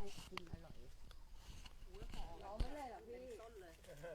กินอร่อยเราไม่เลยหรอพี่ต้นเลย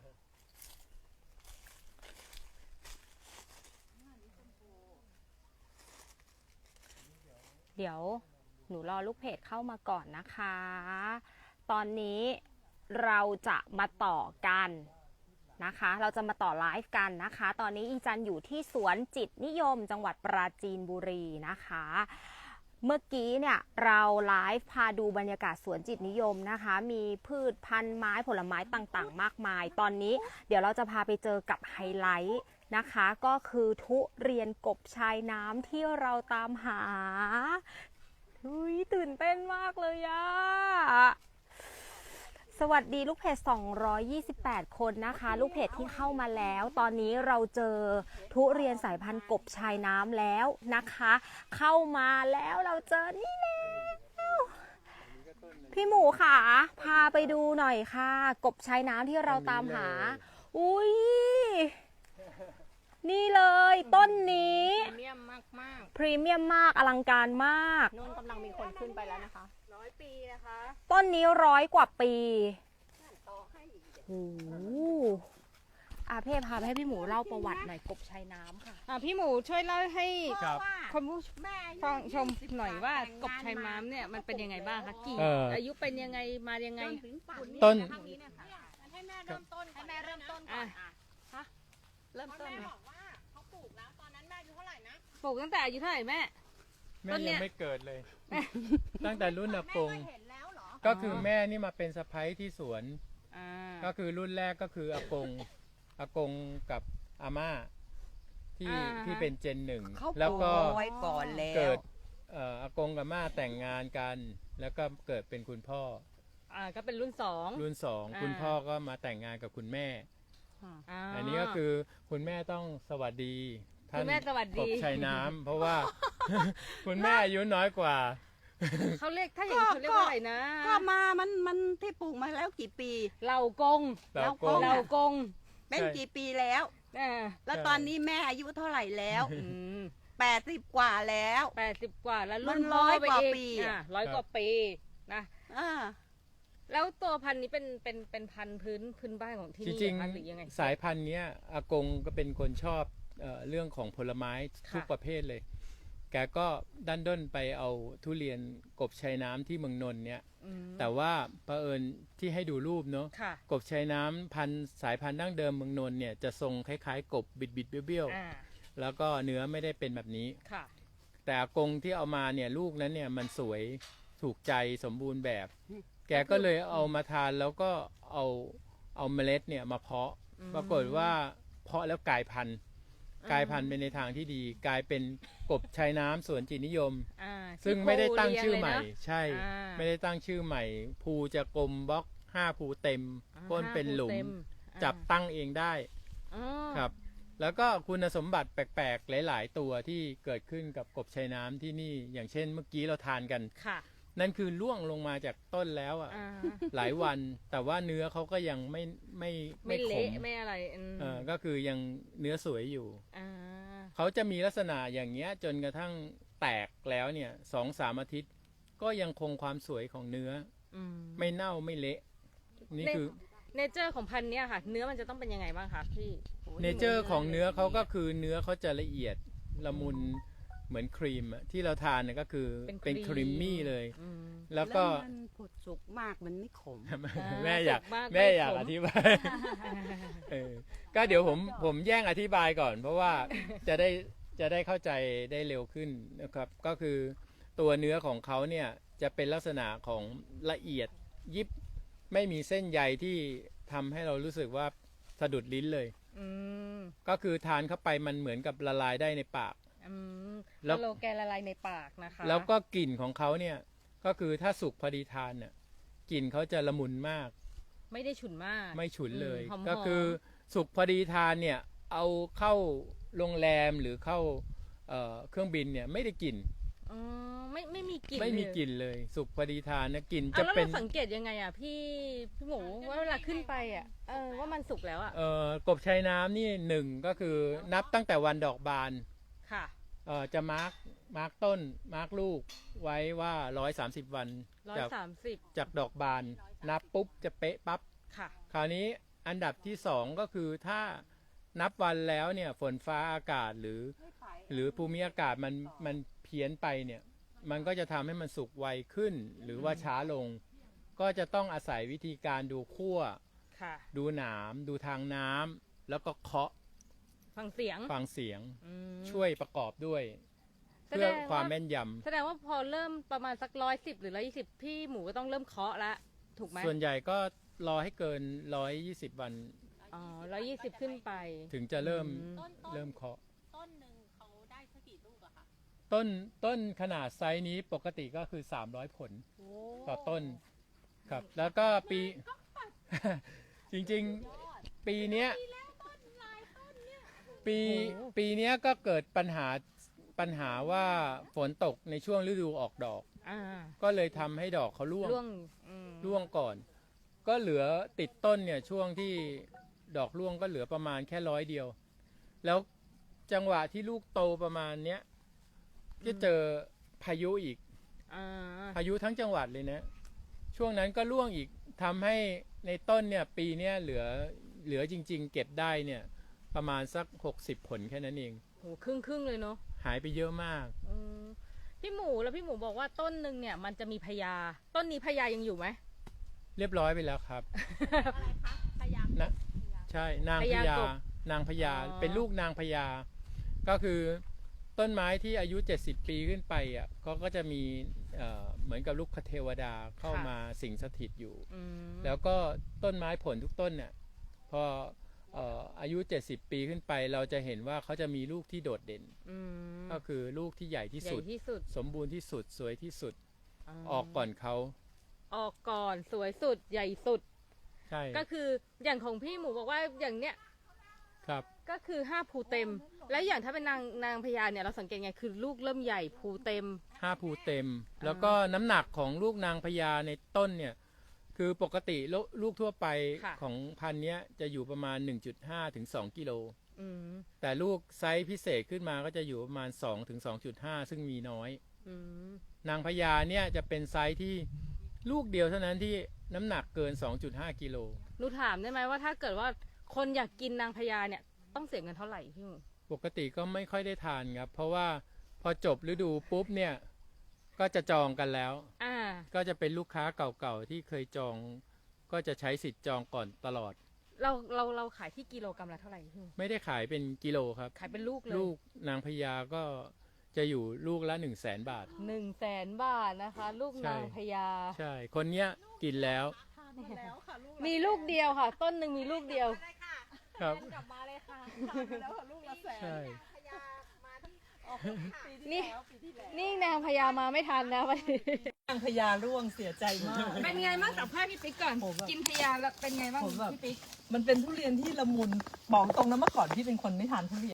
เดี๋ยวหนูรอลูกเพจเข้ามาก่อนนะคะ ตอนนี้เราจะมาต่อกันนะคะ เราจะมาต่อไลฟ์กันนะคะ ตอนนี้อีจันอยู่ที่สวนจิตนิยมจังหวัดปราจีนบุรีนะคะ เมื่อกี้เนี่ยเราไลฟ์พาดูบรรยากาศสวนจิตนิยมนะคะ มีพืชพันธุ์ไม้ผลไม้ต่างๆมากมาย ตอนนี้เดี๋ยวเราจะพาไปเจอกับไฮไลท์นะคะก็คือทุเรียนกบชายน้ำที่เราตามหาตื่นเต้นมากเลยอะสวัสดีลูกเพจ228คนนะคะลูกเพจที่เข้ามาแล้วตอนนี้เราเจอทุเรียนสายพันธุ์กบชายน้ำแล้วนะคะเข้ามาแล้วเราเจอนี่แล้วพี่หมูค่ะพาไปดูหน่อยค่ะกบชายน้ำที่เราตามหาอุ้ยนี่เลยต้นนี้พรีเมียมมากพรีเมียมมากอลังการมากนู่นกำลังมีคนขึ้นไปแล้วนะคะ100 ปีนะคะต้นนี้100 กว่าปีต่อให้อีกโอ้โหเพ่พาไปให้พี่หมูเล่าประวัติหน่อยกบชายน้ำค่ะพี่หมูช่วยเล่าให้ครับคนผู้แม่ฟังชมหน่อยว่ากบชายน้ำเนี่ยมันเป็นยังไงบ้างคะกี่อายุเป็นยังไงมายังไงถึงป่านนี้ต้นทางนี้เนี่ยค่ะให้แม่เริ่มต้นให้แม่เริ่มต้นก่อนเริ่มต้นแม่บอกว่าเขาปลูกแล้วตอนนั้นแม่อายุเท่าไหร่นะปลูกตั้งแต่อายุเท่าไหร่แม่แม่ต้นเนี่ยังยไม่เกิดเลย ตั้งแต่รุ่นอากงแม่ก็เห็นแล้วเหรอก็คือแม่นี่มาเป็นสะใภ้ที่สวนอ่าก็คือรุ่นแรกก็คืออากงกับอาม่าที่เป็นเจนหนึ่งเขาปแล้วลูกก็ไว้ก่อนแล้วเกิดอากงกับอาม่าแต่งงานกัน แล้วก็เกิดเป็นคุณพ่อก็เป็นรุ่นสองรุ่นสองอ่าคุณพ่อก็มาแต่งงานกับคุณแม่าอันนี้ก็คือคุณแม่ต้องสวัสดีท่านคุณแม่สวัสดีกบชายน้ำเพราะว่า คุณแม่อายุน้อยกว่าเขาเรียกถ้าอย่างนี้เขาเรียกว่าอะไรนะก็มามันที่ปลูกมาแล้วกี่ปีเหล่ากงเรากงเหล่ากงเป็นใช่กี่ปีแล้ว แล้วตอนนี้แม่อายุเท่าไหร่แล้ว 80 กว่าแล้ว 80 กว่าแล้วรุ่มัน น100 ไปกว่าอีกปี 100 กว่าปีนะอ่าแล้วตัวพันธุ์นี้เป็นพันธุ์พื้นบ้านของที่จนี่ริงคะหรือยังไงๆสายพันธุ์เนี้ยอากงก็เป็นคนชอบเรื่องของผลไม้ทุกค่ะประเภทเลย แกก็ดันด้นไปเอาทุเรียนกบชายน้ำที่เมืองนนท์เนี่ยอืมแต่ว่าเผอิญที่ให้ดูรูปเนาะค่ะกบชายน้ำพันธุ์สายพันธุ์ดั้งเดิมเมืองนนท์เนี่ยจะทรงคล้ายๆ กบบิดๆเบี้ยวอ่าๆแล้วก็เนื้อไม่ได้เป็นแบบนี้ค่ะแต่อากงที่เอามาเนี่ยลูกนั้นเนี่ยมันสวยถูกใจสมบูรณ์แบบ แกก็เลยเอามาทานแล้วก็เอาเมล็ดเนี่ยมาเพาะ ปรากฏว่าเพาะแล้วกลายพันธุ์ไปในทางที่ดี กลายเป็นกบชายน้ำสวนจิตนิยม ซึ่งไม่ได้ตั้งชื่อใหม่ ใช่อ่าไม่ได้ตั้งชื่อใหม่ ภูจะกลมบล็อก5ภูเต็มก้นเป็นหลุม จับตั้งเองได้ครับ แล้วก็คุณสมบัติแปลกๆ หลายๆ ตัวที่เกิดขึ้นกับกบชายน้ำที่นี่ อย่างเช่นเมื่อกี้เราทานกันค่ะนั่นคือล่วงลงมาจากต้นแล้วอ่ะ หลายวัน แต่ว่าเนื้อเขาก็ยังไม่ขเละมไม่อะไรก็คือยังเนื้อสวยอยู่อ่าเขาจะมีลักษณะอย่างเงี้ยจนกระทั่งแตกแล้วเนี่ย2-3 อาทิตย์ ก็ยังคงความสวยของเนื้อ ไม่เน่าไม่เละ นี่คือเนเจอร์ของพันธุ์เนี้ยค่ะ เนื้อมันจะต้องเป็นยังไงบ้างคะพี่เนเจอร์ของเนื้อเขาก็คือเนื้อเขาจะละเอียดละมุนเหมือนครีมอะที่เราทานเนี่ยก็คือเป็นครีมมี่เลย แล้วก็มันผุดสุกมากมันไม่ขมแม่อยากสุกมากแม่อยากไม่ขมอธิบายก็เดี๋ยวผมแย่งอธิบายก่อน เพราะว่าจะได้เข้าใจได้เร็วขึ้นนะครับ ก็คือตัวเนื้อของเขาเนี่ยจะเป็นลักษณะของละเอียดยิบไม่มีเส้นใยที่ทำให้เรารู้สึกว่าสะดุดลิ้นเลย ก็คือทานเข้าไปมันเหมือนกับละลายได้ในปาก แล้แล้ว วโลแกนละลายในปากนะคะแล้วก็กลิ่นของเขาเนี่ยก็คือถ้าสุกพอดีทานเนี่ยกลิ่นเขาจะละมุนมากไม่ได้ฉุนมากไม่ฉุนเลยหอมๆก็คือสุกพอดีทานเนี่ยเอาเข้าโรงแรมหรือเข้าเครื่องบินเนี่ยไม่ได้กลิ่นไม่มีกลิ่นไม่มีเลยกลิ่นเลย สุกพอดีทานนะกลิ่นเอาจะแล้วเป็นเราสังเกตยังไงอ่ะพี่หมูว่าเวลาขึ้นไปอ่ะว่ามันสุกแล้วอ่ะกบชายน้ำนี่หนึ่งก็คือนับตั้งแต่วันดอกบานค่ะจะมาร์กต้นมาร์กลูกไว้ว่า130 วันจากดอกบานนับปุ๊บจะเป๊ะปั๊บค่ะคราวนี้อันดับที่2ก็คือถ้านับวันแล้วเนี่ยฝนฟ้าอากาศหรือภูมิอากาศมันเพี้ยนไปเนี่ยมันก็จะทำให้มันสุกไวขึ้นหรือว่าช้าลง ก็จะต้องอาศัยวิธีการดูขั้วค่ะดูหนามดูทางน้ำแล้วก็เคาะฟังเสียงฟังเสียงอืมช่วยประกอบด้วยแสเพื่ดองว่าความแม่นยแสดงว่าพอเริ่มประมาณสัก110 หรือ 120 พี่หมูก็ต้องเริ่มเคาะละถูกไหมำส่วนใหญ่ก็รอให้เกิน120 วันอ๋อ120 ขึ้นไปถึงจะเริ่มอืมเริ่มเคาะต้นหนึ่งเขาได้สักกี่ลูกอะคะต้นขนาดไซส์นี้ปกติก็คือ300 ผลต่อต้นครับแล้วก็ปี จริงๆปีเนี้ยปีเนี้ยก็เกิดปัญหาว่าฝนตกในช่วงฤดูออกดอกอ่าก็เลยทำให้ดอกเขาร่วงอืมร่วงก่อน ก็เหลือติดต้นเนี่ยช่วงที่ดอกร่วงก็เหลือประมาณแค่100 เดียว แล้วจังหวะที่ลูกโตประมาณเนี้ยจะเจอพายุอีกอ่าพายุทั้งจังหวัดเลยนะ ช่วงนั้นก็ร่วงอีกทำให้ในต้นเนี่ยปีเนี้ยเหลือจริง ๆ เก็บได้เนี่ยประมาณสัก60 ผลแค่นั้นเองโหครึ่งเลยเนาะหายไปเยอะมากอืมพี่หมูแล้วพี่หมูบอกว่าต้นหนึ่งเนี่ยมันจะมีพญาต้นนี้พญายังอยู่ไหมเรียบร้อยไปแล้วครับอะไรคะพยายามนะใช่นางพพญาญากบนางพญาอ๋อเป็นลูกนางพญาก็คือต้นไม้ที่อายุ70 ปีขึ้นไปอ่ะก็จะมีเหมือนกับลูกเทวดาเข้ามาสิงสถิตอยู่อืมแล้วก็ต้นไม้ผลทุกต้นเนี่ยพออายุ70 ปีขึ้นไปเราจะเห็นว่าเขาจะมีลูกที่โดดเด่นอืมก็คือลูกที่ใหญ่ที่ใหญ่สุดที่สุดสมบูรณ์ที่สุดสวยที่สุดอออกก่อนเขาออกก่อนสวยสุดใหญ่สุดใช่ก็คืออย่างของพี่หมูบอกว่าอย่างเนี้ยครับก็คือ5 ภูเต็ม แล้วอย่างถ้าเป็นนางพญาเนี่ยเราสังเกตไงคือลูกเริ่มใหญ่ภูเต็ม 5 ภูเต็ม แล้วก็น้ำหนักของลูกนางพญาในต้นเนี่ยคือปกติลูกทั่วไปค่ะของพันธุ์เนี้ยจะอยู่ประมาณ 1.5 ถึง 2 กิโลอืมแต่ลูกไซส์พิเศษขึ้นมาก็จะอยู่ประมาณ 2 ถึง 2.5 ซึ่งมีน้อยอืมนางพญาเนี่ยจะเป็นไซส์ที่ลูกเดียวเท่านั้นที่น้ำหนักเกิน 2.5 กิโลหนูถามได้ไหมว่าถ้าเกิดว่าคนอยากกินนางพญาเนี่ยต้องเสียเงินเท่าไหร่พี่หมูปกติก็ไม่ค่อยได้ทานครับ เพราะว่าพอจบฤดูปุ๊บเนี่ยก็จะจองกันแล้วอ่าก็จะเป็นลูกค้าเก่าๆที่เคยจอง ก็จะใช้สิทธิ์จองก่อนตลอดเราขายที่กิโลกรัมละเท่าไหร่พี่หมูไม่ได้ขายเป็นกิโลครับขายเป็นลูกเลยลูกนางพญาก็จะอยู่ลูกละ100,000 บาท 100,000 บาทนะคะ ลูกใช่นางพญาใช่ คนเนี้ยกินแล้วทานมาแล้วค่ะลูกมีลูกเดียวค่ะ ต้นหนึ่งมีลูกเดียวเลยค่ะครับกลับมาเลยค่ะทานมาแล้วค่ะลูกละแสนใช่พยามาที่ปีที่นี่แล้วปีที่แล้วนี่นางพญามาไม่ทันนะวันนี้นางพญาร่วงเสียใจมากเป็นไงบ้างสัมภาษณ์พี่ปิ๊กก่อนผมแบบกินพญาแล้วเป็นไงบ้างผมแบบพี่ปิ๊กมันเป็นทุเรียนที่ละมุนบอกตรงนะเมื่อก่อนพี่เป็นคนไม่ทานทุเรียน